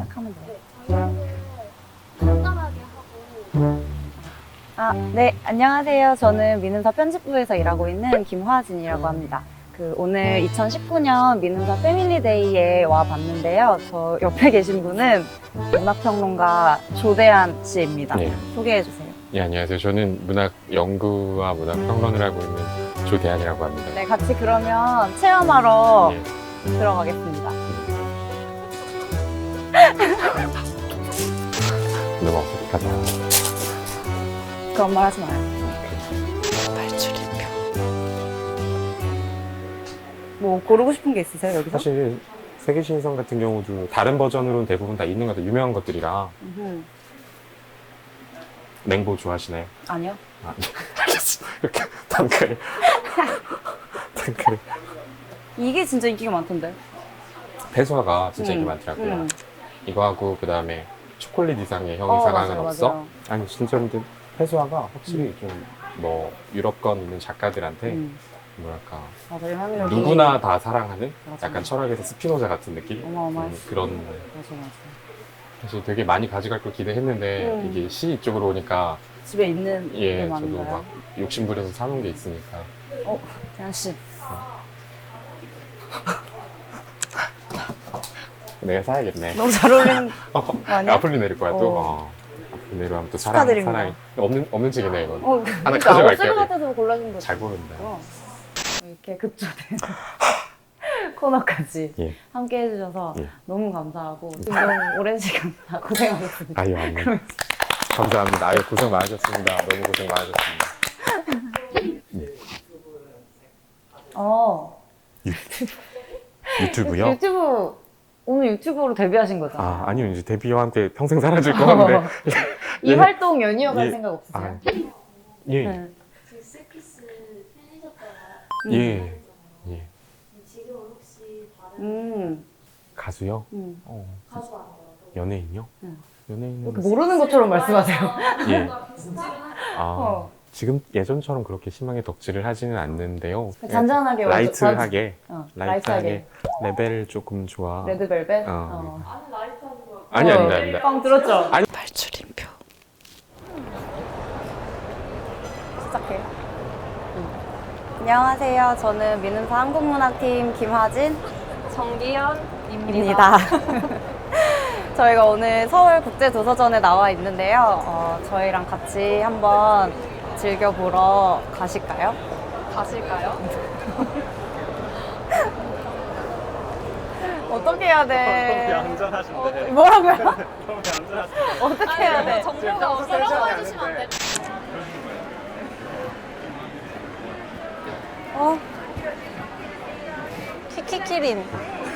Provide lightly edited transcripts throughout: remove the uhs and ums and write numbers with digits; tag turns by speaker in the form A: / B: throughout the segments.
A: 시작하면 돼요.
B: 간단하게 하고.
A: 네, 안녕하세요. 저는 민음사 편집부에서 일하고 있는 김화진이라고 합니다. 오늘 2019년 민음사 패밀리데이에 와 봤는데요. 저 옆에 계신 분은 문학평론가 조대한 씨입니다.
C: 네.
A: 소개해 주세요.
C: 예, 안녕하세요. 저는 문학 연구와 문학 평론을 하고 있는 조대한이라고 합니다.
A: 네, 같이 그러면 체험하러
C: 예.
A: 들어가겠습니다.
C: 너무 어색하다.
A: 그런 말 하지 마요.
C: 발출입표.
A: 뭐 고르고 싶은 게 있으세요, 여기서?
C: 사실 세계신성 같은 경우도 다른 버전으로는 대부분 다 있는 것 같아요. 유명한 것들이라. 맹보 좋아하시나요?
A: 아니요.
C: 알겠어. 이렇게 단칼에. 단칼에.
A: 이게 진짜 인기가 많던데.
C: 배수화가 진짜 인기 많더라고요. 이거하고 그 다음에 초콜릿 이상의 형 이상은
A: 맞아요,
C: 없어?
A: 맞아요.
C: 아니 진짜 근데 배수화가 확실히 좀 뭐 유럽권 있는 작가들한테 뭐랄까
A: 맞아, 영향력이
C: 누구나 다 사랑하는
A: 맞아.
C: 약간 철학에서 스피노자 같은 느낌?
A: 어마어마했어.
C: 그런
A: 맞아, 맞아.
C: 사실 되게 많이 가져갈 걸 기대했는데 이게 시 이쪽으로 오니까
A: 집에 있는 게
C: 저도
A: 많은가요?
C: 막 욕심부려서 사놓은 게 있으니까
A: 대한 씨.
C: 내가 사야겠네.
A: 너무 잘 어울리는 거 아니야?
C: 아폴리네르 거야 또?
A: 어.
C: 아폴리네르 하면 또
A: 축하드립니다.
C: 사랑이 없는 책이네 이건. 하나
A: 그러니까
C: 가져갈게요.
A: 없을 것 같아서 골라준 거죠.
C: 잘 고른다.
A: 이렇게 급조된 코너까지
C: 예.
A: 함께 해주셔서
C: 예.
A: 너무 감사하고 지금 너무 오랜 시간 다 고생하셨습니다.
C: 아유 아니요. 감사합니다. 아유 고생 많으셨습니다. 너무 고생 많으셨습니다. 유튜브요?
A: 유튜브 오늘 유튜브로 데뷔하신 거죠?
C: 아니요 이제 데뷔와 함께 평생 사라질 것 같은데.
A: 이
C: 예.
A: 활동 연이어갈
C: 예.
A: 생각 없으세요?
C: 예.
A: 네.
B: 그 셀피스 팬이셨다가
C: 예. 예.
B: 지금은 혹시 다른
C: 가수요?
B: 가수 아니더라도
C: 연예인요? 연예인은
A: 모르는 것처럼 말씀하세요.
C: 예.
A: 어.
C: 지금 예전처럼 그렇게 심하게 덕질을 하지는 않는데요.
A: 잔잔하게
C: 라이트하게
A: 라이트하게
C: 레벨 조금 좋아.
A: 레드벨벳?
C: 어.
B: 아는 라이트하는 거
C: 아닙니다.
A: 빵 들었죠?
C: 아니.
A: 발출인표 시작해. 안녕하세요. 저는 민음사 한국문학팀 김하진
B: 정기현입니다.
A: 저희가 오늘 서울국제도서전에 나와 있는데요. 저희랑 같이 한번 즐겨보러 가실까요?
B: 가실까요?
A: 어떻게 해야 돼?
D: 너무 얌전하신데.
A: 뭐라고요?
D: 너무 얌전하신데.
A: 어떻게 해야 돼?
B: 정보가 없어서 해주시면 안 돼요?
A: 키키키린.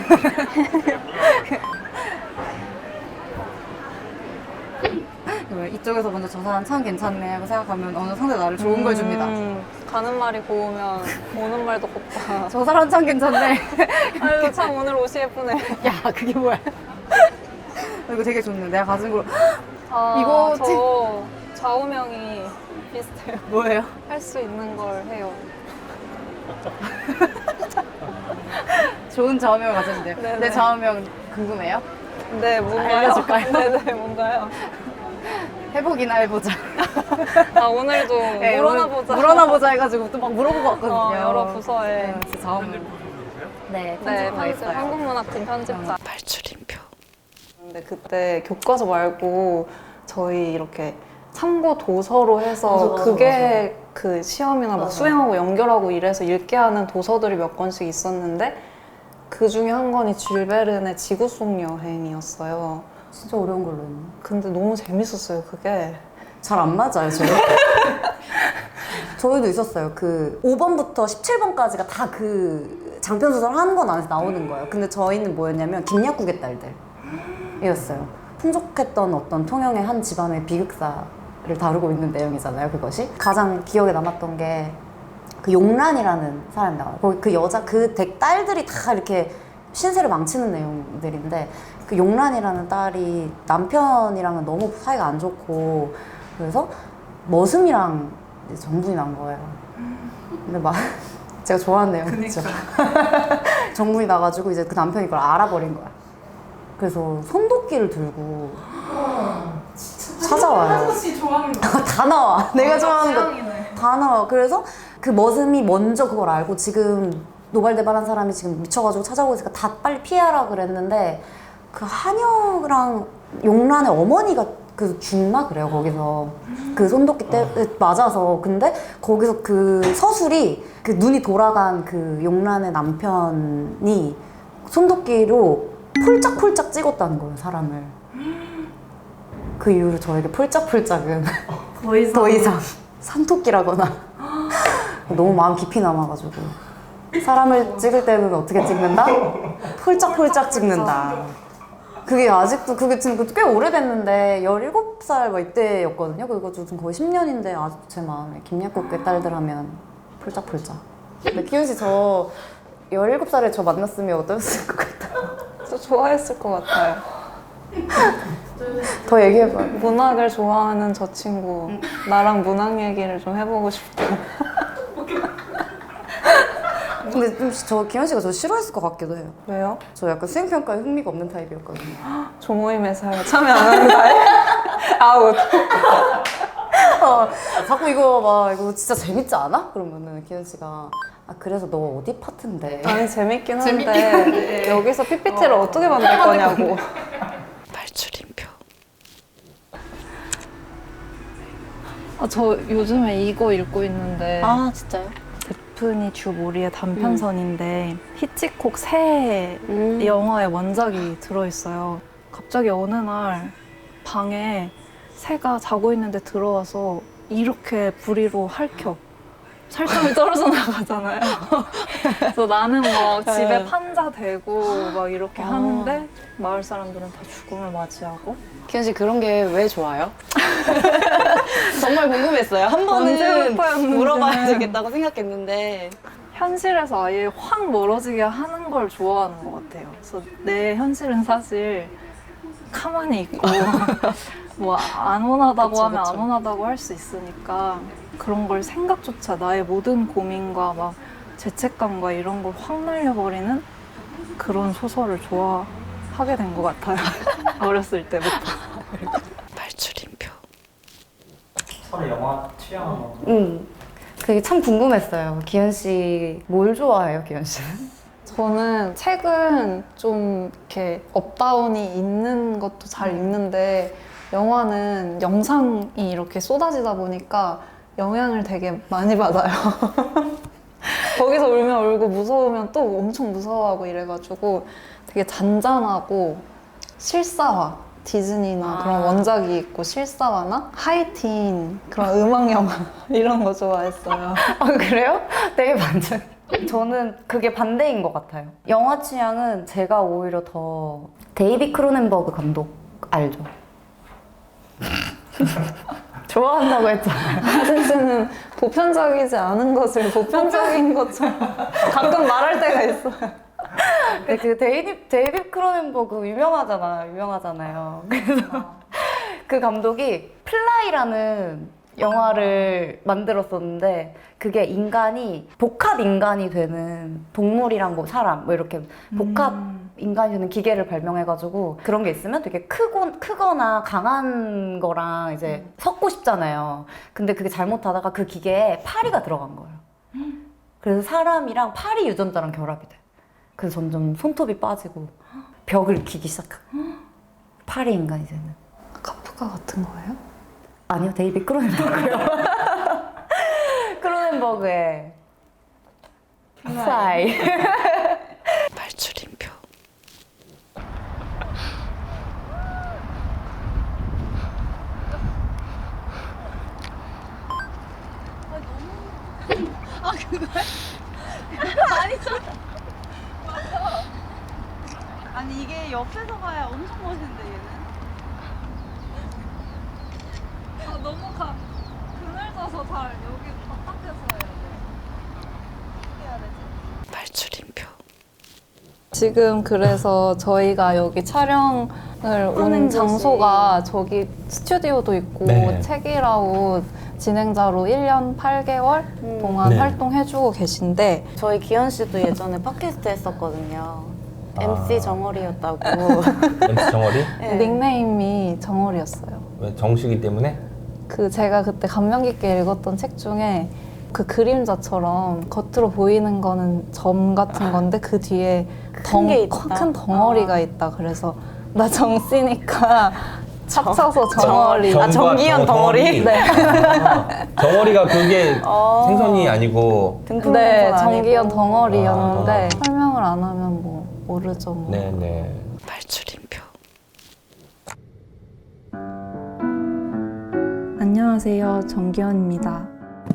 A: 이쪽에서 먼저 저 사람 참 괜찮네 하고 생각하면 어느 상대 나를 좋은 걸 줍니다.
E: 가는 말이 고우면 오는 말도 곱다.
A: 저 사람 참 괜찮네.
E: 아유 참 오늘 옷이 예쁘네.
A: 야, 그게 뭐야? 이거 되게 좋네. 내가 가진 걸
E: 이거
A: 이거
E: 저 좌우명이 비슷해요.
A: 뭐예요?
E: 할 수 있는 걸 해요.
A: 좋은 좌우명을 가졌는데요.
E: 네네.
A: 내 좌우명 궁금해요?
E: 네, 뭔가요?
A: 알려줄까요?
E: 네네, 뭔가요?
A: 해보기나 해보자.
E: 아 오늘도
A: 네,
E: 물어나
A: 오늘
E: 보자.
A: 물어나보자 해가지고 또 막 물어보고 왔거든요.
E: 여러 부서에.
A: 제 좌우명. 네,
E: 네,
A: 편집부가
E: 편집,
A: 있어요.
E: 한국문학팀 편집자.
A: 발출인표.
E: 근데 그때 교과서 말고 저희 이렇게 참고 도서로 해서
A: 맞아,
E: 그게 그 시험이나 막
A: 맞아.
E: 수행하고 연결하고 이래서 읽게 하는 도서들이 몇 권씩 있었는데 그 중에 한 권이 줄 베른의 지구 속 여행이었어요.
A: 진짜 어려운 걸로 했네.
E: 근데 너무 재밌었어요, 그게.
A: 잘 안 맞아요, 저희. 저희도 있었어요. 5번부터 17번까지가 다 장편소설 한 권 안에서 나오는 거예요. 근데 저희는 뭐였냐면 김약국의 딸들이었어요. 풍족했던 어떤 통영의 한 집안의 비극사를 다루고 있는 내용이잖아요, 그것이. 가장 기억에 남았던 게 용란이라는 사람이 나와요. 그 여자, 딸들이 다 이렇게 신세를 망치는 내용들인데 용란이라는 딸이 남편이랑은 너무 사이가 안 좋고 그래서 머슴이랑 이제 정분이 난 거예요. 근데 제가 좋아하는 내용이죠. 정분이 나가지고 이제 그 남편이 그걸 알아버린 거야. 그래서 손도끼를 들고 찾아와요.
B: 혹시 좋아하는 거?
A: 다 나와. 내가 좋아하는 거 다 나와. 그래서 그 머슴이 먼저 그걸 알고 지금 노발대발한 사람이 지금 미쳐가지고 찾아오고 있으니까 다 빨리 피하라 그랬는데 그 한여랑 용란의 어머니가 그 죽나 그래요 거기서 그 손도끼 때 맞아서. 근데 거기서 그 서술이 그 눈이 돌아간 그 용란의 남편이 손도끼로 폴짝폴짝 찍었다는 거예요 사람을. 그 이후로 저에게 폴짝폴짝은 더 이상 산토끼라거나 너무 마음 깊이 남아가지고 사람을 찍을 때는 어떻게 찍는다? 폴짝폴짝 찍는다. 그게 아직도 그게 지금 꽤 오래됐는데 17살 막 이때였거든요. 그거 좀 거의 10년인데 아직도 제 마음에 김약국의 딸들 하면 폴짝폴짝. 근데 기훈 씨 저 17살에 저 만났으면 어떠셨을 것 같아요?
E: 저 좋아했을 것 같아요.
A: 더 얘기해봐요.
E: 문학을 좋아하는 저 친구 나랑 문학 얘기를 좀 해보고 싶다.
A: 근데 좀 저 기현 씨가 저 싫어했을 것 같기도 해요.
E: 왜요?
A: 저 약간 수행평가에 흥미가 없는 타입이었거든요.
E: 조모임에서 참여 안 하는 거예요? 아웃.
A: 자꾸 이거 막 이거 진짜 재밌지 않아? 그러면은 기현 씨가 아 그래서 너 어디 파트인데?
E: 아니 재밌긴 한데 여기서 PPT를 어떻게 만들 거냐고. 발출인표. 저 요즘에 이거 읽고 있는데
A: 아 진짜요?
E: 데프니 주 모리의 단편선인데 히치콕 새 영화의 원작이 들어있어요. 갑자기 어느 날 방에 새가 자고 있는데 들어와서 이렇게 부리로 핥혀. 살점이 떨어져 나가잖아요. 그래서 나는 막 집에 판자 대고 막 이렇게 하는데 마을 사람들은 다 죽음을 맞이하고.
F: 기현 씨 그런 게 왜 좋아요? 정말 궁금했어요. 한
E: 언제
F: 번은
E: 오빠였는지는.
F: 물어봐야 되겠다고 생각했는데
E: 현실에서 아예 확 멀어지게 하는 걸 좋아하는 것 같아요. 그래서 내 현실은 사실 가만히 있고 뭐 안 원하다고
F: 그쵸,
E: 하면
F: 그쵸.
E: 안 원하다고 할 수 있으니까 그런 걸 생각조차 나의 모든 고민과 막 죄책감과 이런 걸 확 날려버리는 그런 소설을 좋아하게 된 것 같아요. 어렸을 때부터. 발출인표.
D: 서로 영화 취향은 뭐?
A: 그게 참 궁금했어요. 기현 씨 뭘 좋아해요, 기현 씨는?
E: 저는 책은 좀 이렇게 업다운이 있는 것도 잘 읽는데 영화는 영상이 이렇게 쏟아지다 보니까 영향을 되게 많이 받아요. 거기서 울면 울고 무서우면 또 엄청 무서워하고 이래가지고 되게 잔잔하고 실사화, 디즈니나 그런 원작이 있고 실사화나 하이틴 그런 음악 영화 이런 거 좋아했어요.
A: 아 그래요? 되게 반전. 저는 그게 반대인 것 같아요. 영화 취향은 제가 오히려 더 데이비 크로넨버그 감독 알죠? 좋아한다고 했잖아요.
E: 하진 씨는 보편적이지 않은 것을 보편적인 것처럼 가끔 말할 때가 있어요.
A: 근데 그 데이비 크로넨버그 유명하잖아요. 그래서 그 감독이 플라이라는 영화를 만들었었는데 그게 인간이 복합 인간이 되는 동물이랑 뭐 사람 뭐 이렇게 복합 인간이 되는 기계를 발명해가지고 그런 게 있으면 되게 크거나 강한 거랑 이제 섞고 싶잖아요. 근데 그게 잘못하다가 그 기계에 파리가 들어간 거예요. 그래서 사람이랑 파리 유전자랑 결합이 돼. 그래서 점점 손톱이 빠지고 벽을 익히기 시작하고 파리 인간이 되는.
E: 카프카 같은 거예요?
A: 아니요, 데이비 크로넨버그요. 크로넨버그의 플라이.
E: 발출인표.
F: 아니 이게 옆에서 봐야 엄청 멋있는데 얘는
E: 너무 그늘져서 잘 여기 바깥에서 해야 돼. 발출인표. 지금 그래서 저희가 여기 촬영을 온 장소가 저기 스튜디오도 있고
D: 네.
E: 책이라웃 진행자로 1년 8개월 동안
D: 네.
E: 활동해주고 계신데
A: 저희 기현 씨도 예전에 팟캐스트 했었거든요.
F: MC 정어리였다고.
G: MC 정어리?
E: 닉네임이 정월이었어요.
G: 왜 정식이 때문에?
E: 그 제가 그때 감명 깊게 읽었던 책 중에 그 그림자처럼 겉으로 보이는 거는 점 같은 건데 그 뒤에
F: 게 있다.
E: 큰 덩어리가 있다. 그래서 나 정씨니까 합쳐서 정어리.
G: 정과
F: 정기현 덩어리?
E: 네.
G: 정어리가 그게 생선이 아니고.
E: 네, 정기현 덩어리였는데
G: 아, 덩어리.
E: 설명을 안 하면 뭐 모르죠. 뭐.
G: 네네.
F: 발출인표.
E: 안녕하세요, 정기현입니다.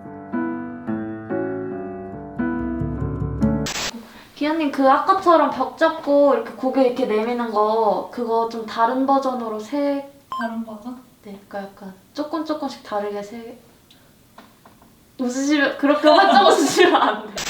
B: 기현님 그 아까처럼 벽 잡고 이렇게 고개 이렇게 내미는 거 그거 좀 다른 버전으로 다른 버전? 네, 그러니까 약간 조금씩 다르게 웃으시면 그렇게 활짝 웃으시면 안 돼.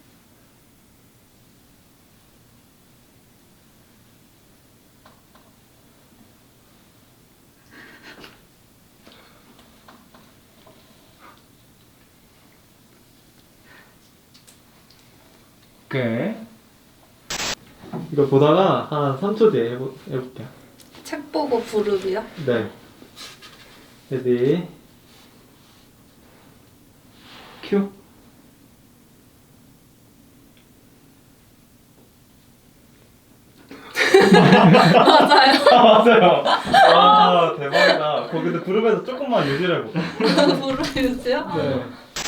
D: 오케이. 이거 보다가 한 3초 뒤에 해볼게요.
E: 책 보고 부르기요?
D: 네. 레디. 큐. 맞아요. 맞아요. 아 대박이다. 거기 근데 부르면서 조금만 유지를 해볼게요.
E: 부르세요?
D: 네.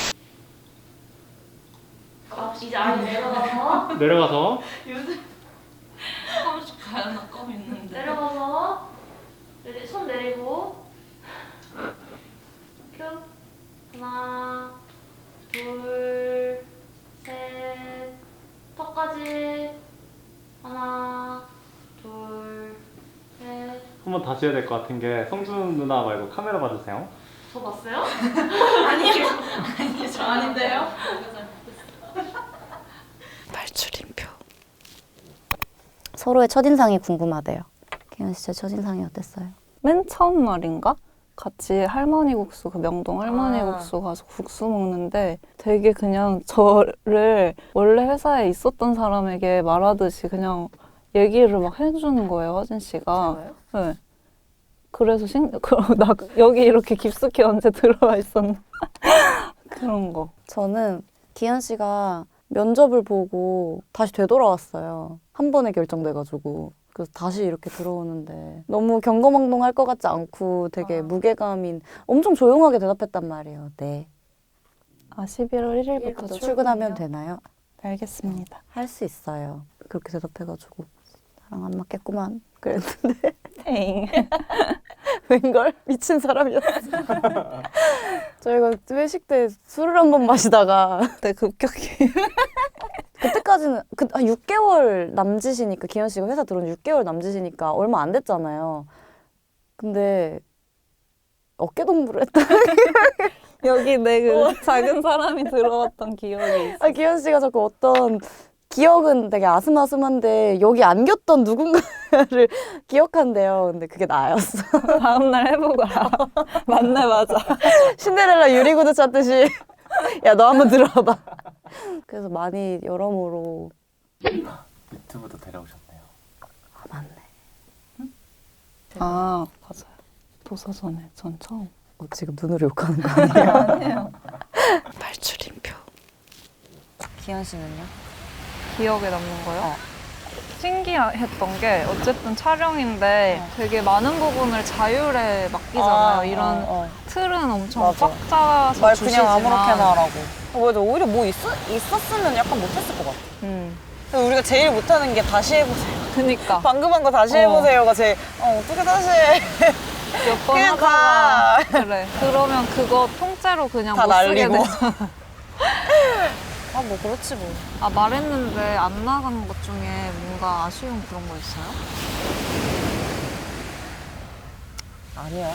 B: 이제 아예 내려가서
D: 내려가서
B: 내려가서 손 내리고 큐 하나 둘 셋 턱까지 하나 둘 셋
D: 한 번 다시 해야 될 것 같은 게 성준 누나 말고 카메라 봐주세요.
B: 저 봤어요? 아니요 저 아닌데요?
F: 발출인표. 서로의 첫인상이 궁금하대요. 기현 씨 첫인상이 어땠어요?
E: 맨 처음 날인가? 같이 할머니 국수, 그 명동 할머니 국수 가서 국수 먹는데 되게 그냥 저를 원래 회사에 있었던 사람에게 말하듯이 그냥 얘기를 막 해주는 거예요, 화진 씨가. 네. 그래서 나 여기 이렇게 깊숙이 언제 들어와 있었나? 그런 거.
F: 저는 기현 씨가 면접을 보고 다시 되돌아왔어요. 한 번에 결정돼가지고. 그래서 다시 이렇게 들어오는데 너무 경거망동할 것 같지 않고 되게 무게감인 엄청 조용하게 대답했단 말이에요. 네.
E: 11월 1일부터
F: 출근하면 되나요?
E: 알겠습니다.
F: 할 수 있어요. 그렇게 대답해가지고 나랑 안 맞겠구만 그랬는데
E: 땡.
F: 웬걸? 미친 사람이었어. 저희가 회식 때 술을 한 번 마시다가
E: 네, 급격히.
F: 그때까지는 한 6개월 남짓이니까 기현 씨가 회사 들어온 6개월 남짓이니까 얼마 안 됐잖아요. 근데 어깨동무를 했다.
E: 여기 내 그 작은 사람이 들어왔던 기억이 있어.
F: 아, 기현 씨가 자꾸 어떤 기억은 되게 아슴아슴한데 여기 안겼던 누군가를 기억한대요. 근데 그게 나였어.
E: 다음날 해보거라. 맞네, 맞아.
F: 신데렐라 유리구두 찾듯이 야, 너 한번 들어와봐. 그래서 많이 여러모로
C: 유튜브도 데려오셨네요.
F: 아, 맞네.
E: 아, 맞아요. 도서전에 전 처음.
F: 지금 눈으로 욕하는 거 아니에요?
E: 아니에요.
F: 발출인표. 기현 씨는요?
E: 기억에 남는 거요? 신기했던 게 어쨌든 촬영인데 되게 많은 부분을 자율에 맡기잖아요. 이런 틀은 엄청
F: 맞아.
E: 꽉 짜서
F: 말
E: 주시지만
F: 그냥 아무렇게나 하라고. 맞아. 오히려 뭐 있었으면 약간 못했을 것 같아. 근데 우리가 제일 못하는 게 다시 해보세요.
E: 그니까
F: 방금 한 거 다시 해보세요가 제일 어떻게 다시 해.
E: 몇 번
F: 그냥
E: 하다가
F: 가.
E: 그래. 그러면 그거 통째로 그냥
F: 다
E: 못 쓰게
F: 날리고.
E: 되잖아.
F: 아, 뭐 그렇지 뭐.
E: 아, 말했는데 안 나간 것 중에 뭔가 아쉬운 그런 거 있어요?
F: 아니야.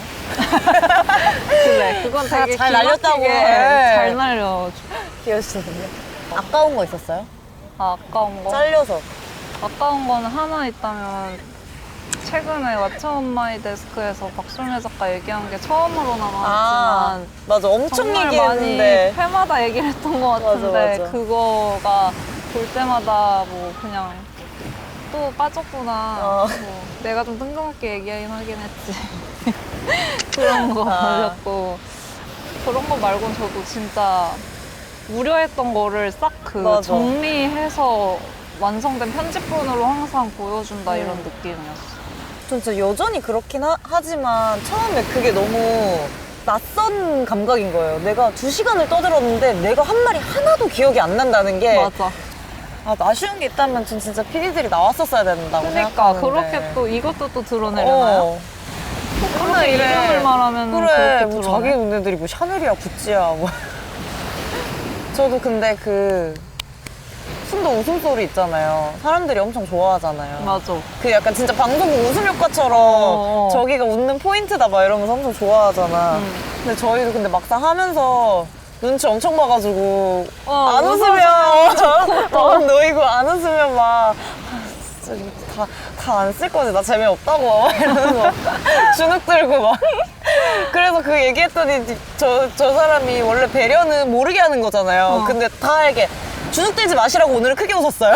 E: 그래, 그건 되게
F: 잘 날렸다고.
E: 기막히게
F: 해.
E: 잘 날려.
F: 기현 씨는요? 아까운 거 있었어요?
E: 아, 아까운 거?
F: 잘려서.
E: 아까운 거는 하나 있다면 최근에 왓챠 온 마이 데스크에서 박솔매 작가 얘기한 게 처음으로 나왔지만
F: 맞아. 엄청
E: 정말
F: 얘기했는데.
E: 많이 회마다 얘기를 했던 것 같은데
F: 맞아.
E: 그거가 볼 때마다 뭐 그냥 또 빠졌구나. 뭐, 내가 좀 뜬금없게 얘기하긴 하긴 했지. 그런 거 걸렸고. 그런 거 말고는 저도 진짜 우려했던 거를 싹 그
F: 맞아.
E: 정리해서 완성된 편집본으로 항상 보여준다 이런 느낌이었어.
F: 전 진짜 여전히 그렇긴 하지만 처음에 그게 너무 낯선 감각인 거예요. 내가 2시간을 떠들었는데 내가 한 말이 하나도 기억이 안 난다는 게
E: 맞아.
F: 아쉬운 게 있다면 전 진짜 PD들이 나왔었어야 된다고
E: 그러니까
F: 생각하는데.
E: 그렇게 또 이것도 또 드러내려나요?
F: 어.
E: 그렇게 이름을 말하면
F: 그래
E: 그렇게
F: 뭐
E: 드러내.
F: 자기 눈네들이 뭐 샤넬이야 구찌야 뭐. 저도 근데 그 순도 웃음소리 있잖아요. 사람들이 엄청 좋아하잖아요.
E: 맞아.
F: 그 약간 진짜 방송국 웃음 효과처럼 저기가 웃는 포인트다 막 이러면서 엄청 좋아하잖아. 근데 저희도 근데 막상 하면서 눈치 엄청 봐가지고 안 웃으면 더 놓이고 안 웃으면 막 진짜 다 안 쓸 거지 나 재미없다고 막 이러면서 주눅 들고 막 그래서 그 얘기했더니 저 사람이 원래 배려는 모르게 하는 거잖아요. 근데 다 알게 주눅 들지 마시라고 오늘은 크게 웃었어요.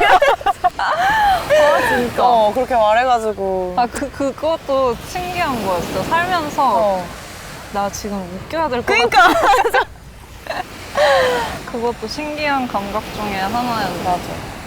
E: 진짜.
F: 그렇게 말해가지고.
E: 그것도 신기한 거였어. 살면서 나 지금 웃겨야 될 것 같아.
F: 그러니까.
E: 그것도 신기한 감각 중에 하나였어.
F: 맞아.